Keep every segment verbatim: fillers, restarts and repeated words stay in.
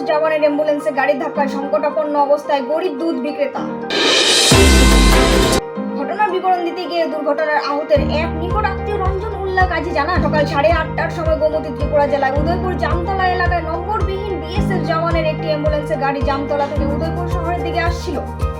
জওয়ানের অ্যাম্বুলেন্সে গাড়ির ধাক্কায় সংকটাপন্ন অবস্থায় গরিব দুধ বিক্রেতা। ঘটনার বিবরণ দিতে গিয়ে দুর্ঘটনার আহতের এক নিকট আত্মীয় রঞ্জন উল্লাহ কাজী জানান, সকাল সাড়ে আটটার সময় গোমতী ত্রিপুরা জেলায় উদয়পুর জামতলা এলাকায় নম্বরবিহীন বিএসএফ জওয়ানের একটি অ্যাম্বুলেন্সে গাড়ি জামতলা থেকে উদয়পুর শহরের দিকে আসছিল।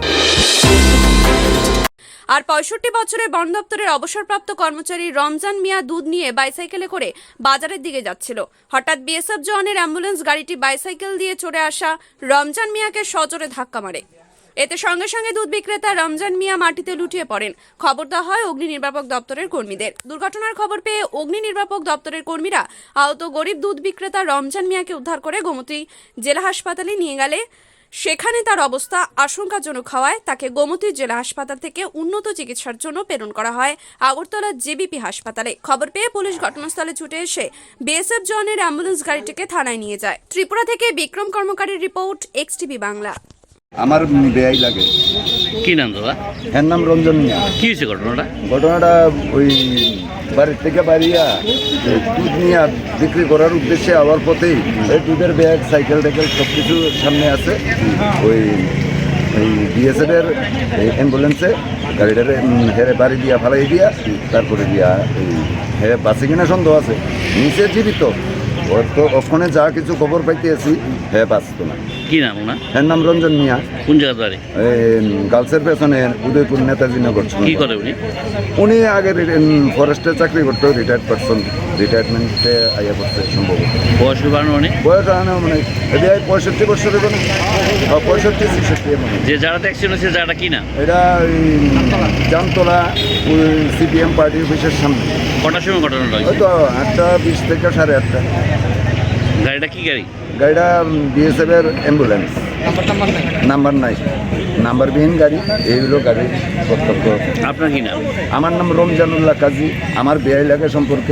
আর পঁয়ষট্টি বছরের বন দপ্তরের অবসরপ্রাপ্ত কর্মচারী রমজান মিয়া দুধ নিয়ে বাইসাইকেলে করে বাজারের দিকে যাচ্ছিল। হঠাৎ বিএসএফ জওয়ানের অ্যাম্বুলেন্স গাড়িটি বাইসাইকেল দিয়ে চড়ে আসা রমজান মিয়াকে সজোরে ধাক্কা মারে। এতে সঙ্গে সঙ্গে দুধ বিক্রেতা রমজান মিয়া মাটিতে লুটিয়ে পড়েন। খবর দেওয়া হয় অগ্নি নির্বাপক দপ্তরের কর্মীদের। দুর্ঘটনার খবর পেয়ে অগ্নি নির্বাপক দপ্তরের কর্মীরা আহত গরিব দুধ বিক্রেতা রমজান মিয়াকে উদ্ধার করে গোমতী জেলা হাসপাতালে নিয়ে গেলে সেখানে তার অবস্থা আশঙ্কাজনক হওয়ায় তাকে গোমতী জেলা হাসপাতাল থেকে উন্নত চিকিৎসার জন্য প্রেরণ করা হয় আগরতলা জেবিপি হাসপাতালে। খবর পেয়ে পুলিশ ঘটনাস্থলে ছুটে এসে বিএসএফ জওয়ানের অ্যাম্বুলেন্স গাড়িটিকে থানায় নিয়ে যায়। ত্রিপুরা থেকে বিক্রম কর্মকারীর রিপোর্ট, এক্সটিভি বাংলা। আমার বেয়াই লাগে। কি নাম দাদা? এর নাম রঞ্জন মিয়া। কি হয়েছে ঘটনাটা? ঘটনাটা ওই বাড়ির থেকে বাড়িয়া দুধ নিয়ে বিক্রি করার উদ্দেশ্যে আবার পথেই ওই দুধের ব্যাগ, সাইকেল টাইকেল সব কিছু সামনে আছে। ওই ওই বিএসএফের অ্যাম্বুলেন্সে গাড়িটারে হেরে বাড়ি দিয়া ফালাই দিয়া তারপরে দিয়া এই হে বাসে কিনা সন্দেহ আছে, নিচে জীবিত। ওর তো ওখানে যা কিছু খবর পাইতেছি হে বাঁচত না। কি নাম ওনার? এর নাম রঞ্জন মিয়া। কোন জায়গার বাড়ি? গার্লসের পেছনে উদয়পুর নেতাজি নগর। কি করে উনি? উনি আগে ফরেস্টে চাকরি করতো, রিটায়ার্ড পারসন, রিটায়ারমেন্টে আইয়া করছে সম্ভবত। বয়স বাড়ানো অনেক? বয়স আনা মানে এটা পঁয়ষট্টি বছর হবে না, পঁয়ষট্টি ছেষট্টি মানে। যে যারা অ্যাক্সিডেন্ট হয়েছে জায়গাটা কি না? এটা ওই জামতলা সিপিএম পার্টি অফিসের সামনে। কটার সময় ঘটনাটা ওই হয়েছে? তো আটটা বিশ থেকে সাড়ে আটটা। গাড়িটা কি গাড়ি? গাড়িটা বিএসএফ এর অ্যাম্বুলেন্স। নাম্বার নাই, নাম্বারবিহীন গাড়ি। এইগুলো গাড়ি কর্তব্য। আপনার কি নাম? আমার নাম রমজান উল্লাহ কাজী। আমার বেয়াই লাগে সম্পর্কে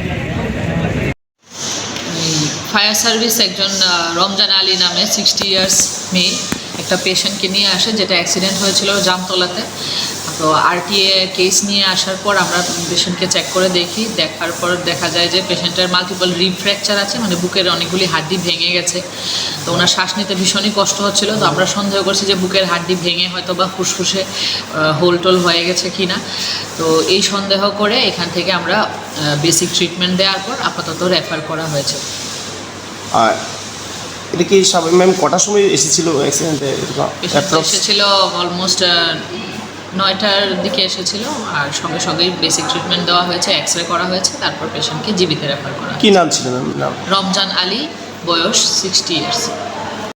ফায়ার সার্ভিস একজন রমজান আলী নামে সিক্সটি ইয়ার্স মেয়ে একটা পেশেন্টকে নিয়ে আসে, যেটা অ্যাক্সিডেন্ট হয়েছিল জামতলাতে। তো আরটিএ কেস নিয়ে আসার পর আমরা পেশেন্টকে চেক করে দেখি, দেখার পর দেখা যায় যে পেশেন্টের মাল্টিপল রিব ফ্র্যাকচার আছে, মানে বুকের অনেকগুলি হাড্ডি ভেঙে গেছে। তো ওনার শ্বাস নিতে ভীষণই কষ্ট হচ্ছিল। তো আমরা সন্দেহ করছি যে বুকের হাড্ডি ভেঙে হয়তো বা ফুসফুসে হোল টোল হয়ে গেছে কিনা। তো এই সন্দেহ করে এখান থেকে আমরা বেসিক ট্রিটমেন্ট দেওয়ার পর আপাতত রেফার করা হয়েছে। আর এটা কি স্বাভাবিক ম্যাম? কটার সময় এসেছিল অ্যাক্সিডেন্টে? এসেছিল অলমোস্ট নয়টার দিকে এসেছিল, আর সঙ্গে সঙ্গেই বেসিক ট্রিটমেন্ট দেওয়া হয়েছে, এক্স রে করা হয়েছে, তারপর পেশেন্টকে জীবিত রেফার করা। কি নাম ছিল ম্যাম? নাম রমজান আলী, বয়স সিক্সটি ইয়ার্স।